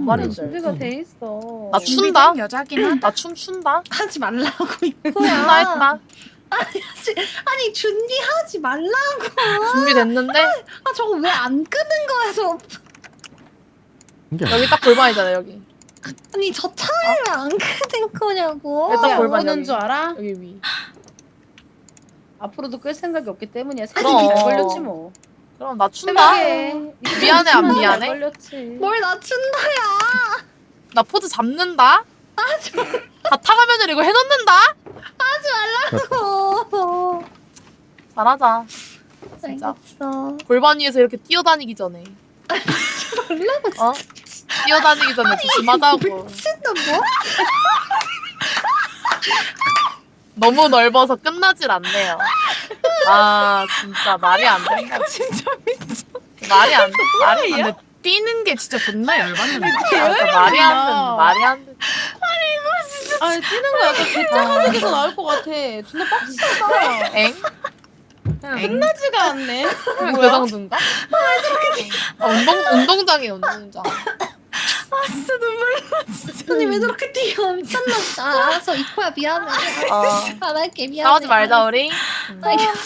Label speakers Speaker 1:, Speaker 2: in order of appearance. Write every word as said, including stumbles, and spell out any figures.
Speaker 1: 말인데.
Speaker 2: 준비가 돼 있어.
Speaker 1: 나 춘다.
Speaker 3: 여자긴 하다.
Speaker 1: 나 춤 춘다.
Speaker 3: 하지 말라고.
Speaker 1: 춘다 했다.
Speaker 3: 아니 준비하지 말라고.
Speaker 1: 준비됐는데
Speaker 3: 아 저거 왜 안 끄는 거야 저.
Speaker 4: 이게
Speaker 1: 여기 딱 골반이잖아 여기.
Speaker 3: 아니 저 차를 왜 안 끄는 거냐고.
Speaker 1: 일단
Speaker 2: 안
Speaker 1: 골반
Speaker 2: 끄는
Speaker 1: 여기.
Speaker 2: 줄 알아?
Speaker 1: 여기 위.
Speaker 2: 앞으로도 끌 생각이 없기 때문이야.
Speaker 1: 그럼.
Speaker 2: 생각이 잘 걸렸지 뭐.
Speaker 1: 그럼 나 춘다.
Speaker 2: 생각해.
Speaker 1: 미안해, 안
Speaker 2: 잘
Speaker 1: 미안해?
Speaker 2: 걸렸지.
Speaker 3: 뭘 낮춘다야.
Speaker 1: 나 포즈 잡는다. 바탕 화면을 이거 해놓는다.
Speaker 3: 어.
Speaker 1: 잘하자. 진짜.
Speaker 3: 알겠어.
Speaker 1: 골반 위에서 이렇게 뛰어다니기 전에. 어? 뛰어다니기 전에 조심하자고.
Speaker 3: 미친다 뭐?
Speaker 1: 너무 넓어서 끝나질 않네요. 아 진짜 말이 안 된다.
Speaker 3: 진짜 미쳐.
Speaker 1: 말이 안 돼. 말이 안 돼.
Speaker 3: 뛰는 게 진짜 존나 열받는데.
Speaker 1: 아, 진짜 말이 안 돼. 말이 안 돼.
Speaker 2: 아니 뛰는 거 약간 개짱하는 게 더 나을 것 같아. 존나 빡치다.
Speaker 1: 엥?
Speaker 2: 끝나지가 않네.
Speaker 1: 그 정도인가? 아, 운동 운동장이에요 운동장.
Speaker 3: 아 진짜 눈물 나 진짜. 아니 왜 저렇게 뛰어 미쳤나 보다. 알았어 이코야 미안해.
Speaker 1: 어.
Speaker 3: 안 할게 미안해.
Speaker 1: 싸우지 말자 우리.
Speaker 3: 알겠어.